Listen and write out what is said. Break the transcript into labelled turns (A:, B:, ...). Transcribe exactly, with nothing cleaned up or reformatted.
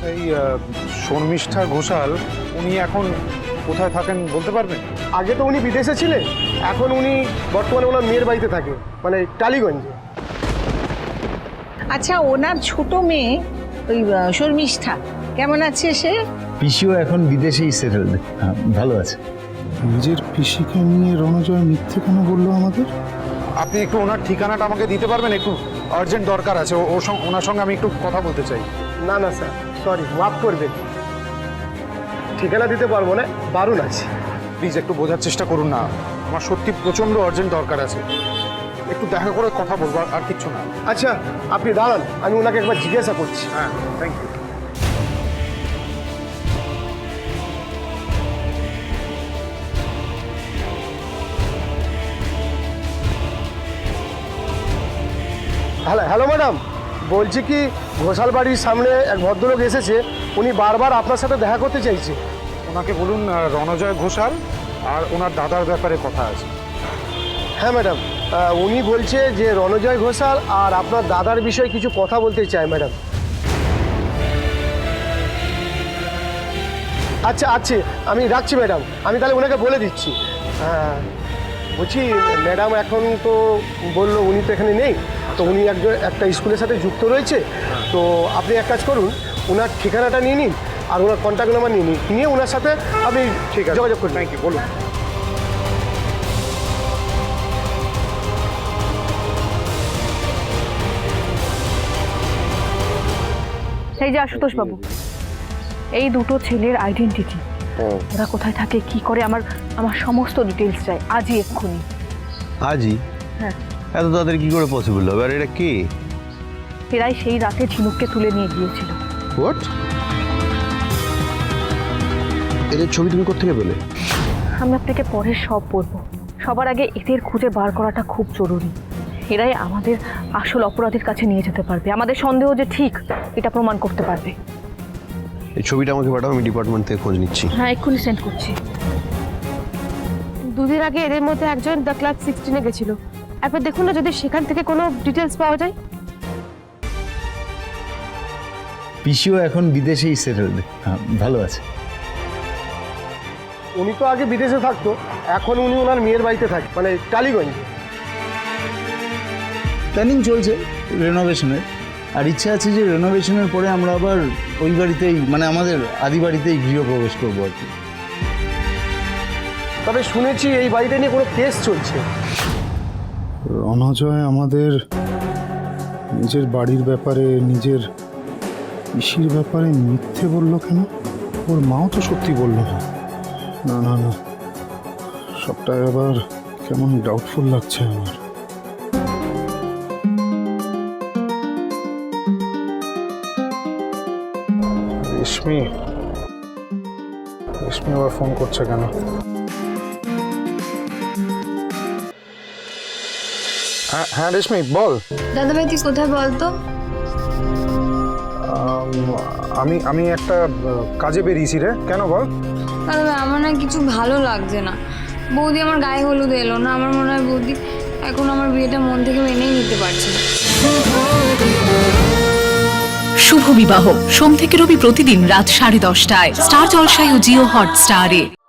A: এই শর্মিষ্ঠা ঘোষাল উনি এখন কোথায় থাকেন বলতে পারবেন?
B: আগে তো উনি বিদেশে ছিলেন, এখন উনি বর্তমানে ওনার মেয়ের বাড়িতে থাকে, মানে টালিগঞ্জে।
C: আচ্ছা, ওনার ছোট মেয়ে ওই শর্মিষ্ঠা কেমন আছে সে?
D: পিসিও এখন বিদেশেই সেটেলড, ভালো আছে।
E: নিজের পিসিকে নিয়ে রণজয় মিথ্যে কেন বললো আমাদের?
A: আপনি একটু ওনার ঠিকানাটা আমাকে দিতে পারবেন? একটু আর্জেন্ট দরকার আছে, ও ওনার সঙ্গে আমি একটু কথা বলতে চাই।
B: না না স্যার, সরি, মাফ করবেন, ঠিকানা দিতে পারবো না, বারণ আছে।
A: প্লিজ একটু বোঝার চেষ্টা করুন না, আমার সত্যি প্রচণ্ড আর্জেন্ট দরকার আছে, একটু দেখা করে কথা বলবো, আর কিচ্ছু না।
B: আচ্ছা আপনি দাঁড়ান, আমি ওনাকে একবার জিজ্ঞাসা করছি।
A: হ্যাঁ, thank you.
B: Hello hello madam, বলছি কি ঘোষাল বাড়ির সামনে এক ভদ্রলোক এসেছে, উনি বারবার আপনার সাথে দেখা করতে চাইছে।
A: ওনাকে বলুন রণজয় ঘোষাল আর ওনার দাদার ব্যাপারে কথা আছে।
B: হ্যাঁ ম্যাডাম, উনি বলছে যে রণজয় ঘোষাল আর আপনার দাদার বিষয়ে কিছু কথা বলতে চায় ম্যাডাম। আচ্ছা আচ্ছা, আমি রাখছি ম্যাডাম, আমি তাহলে ওনাকে বলে দিচ্ছি। হ্যাঁ বলছি ম্যাডাম এখন তো বললো উনি তো এখানে নেই, তো উনি একজন একটা স্কুলের সাথে যুক্ত রয়েছে, তো আপনি এক কাজ করুন, ওনার ঠিকানাটা নিয়ে নিন আর ওনার কন্ট্যাক্ট নাম্বার নিয়ে নিন, নিয়ে ওনার সাথে আপনি ঠিক আছে যোগাযোগ করুন।
A: থ্যাংক ইউ, বলুন।
F: এই যে আশুতোষ বাবু, এই দুটো ছেলের আইডেন্টিটি, ওরা কোথায় থাকে, কি করে, আমার আমার সমস্ত ডিটেলস চাই আজই, এক্ষুনি।
D: আজই?
F: হ্যাঁ।
D: এত তাদের কি করে পসিবল হবে? আর এটা কে?
F: এরাই সেই রাতে ঝিনুককে তুলে নিয়ে গিয়েছিল।
D: হোয়াট? এদের ছবি তুমি কোত্থেকে পেলে?
F: আমি আপনাকে পরে সব বলবো, সবার আগে এদের খুঁজে বার করাটা খুব জরুরি। এরাই আমাদের আসল অপরাধীর কাছে নিয়ে যেতে পারবে, আমাদের সন্দেহ যে ঠিক এটা প্রমাণ করতে পারবে।
D: এই ছবিটা আমাকে পাঠাও, আমি ডিপার্টমেন্ট থেকে খোঁজ নিচ্ছি।
F: হ্যাঁ, এক্ষুনি সেন্ড করছি।
G: দুদিন আগে এদের মধ্যে একজন দ্য ক্লাব সিক্সটিনে গেছিল, একবার দেখুন না যদি সেখান থেকে কোনো ডিটেলস পাওয়া যায়।
D: পিসিও এখন বিদেশেই সেটেলড, ভালো আছে।
B: উনি তো আগে বিদেশে থাকতো, এখন উনি ওনার মেয়ের বাড়িতে থাকে, মানে টালিগঞ্জে।
D: প্ল্যানিং চলছে রেনোভেশনের, আর ইচ্ছা আছে যে রেনোভেশনের পরে আমরা আবার ওই বাড়িতেই, মানে আমাদের আদি বাড়িতেই গৃহপ্রবেশ করবো আর কি।
B: তবে শুনেছি এই বাড়িটা নিয়ে কোনো কেস চলছে।
E: রণজয় আমাদের নিজের বাড়ির ব্যাপারে, নিজের পিসির ব্যাপারে মিথ্যে বললো কেন? ওর মাও তো সত্যি বললো না। না না না, সবটা এবার কেমন ডাউটফুল লাগছে আমার।
A: রেশমি রেশমি আবার ফোন করছে কেন? হ্যাঁ হ্যাঁ রেশমি বল।
H: দাদাভাই তুই কোথায় বলতো?
A: আমি আমি একটা কাজে বেরিয়েছি রে, কেন বল?
H: দাদাভাই আমার না কিছু ভালো লাগছে না, বৌদি আমার গায়ে হলুদ এলো না, আমার মনে হয় বৌদি এখন আমার বিয়েটা মন থেকে মেনেই নিতে পারছে না।
I: শুভ বিবাহ সোম থেকে রবি প্রতিদিন রাত সাড়ে দশটায় স্টার জলসায় ও জিও হটস্টারে।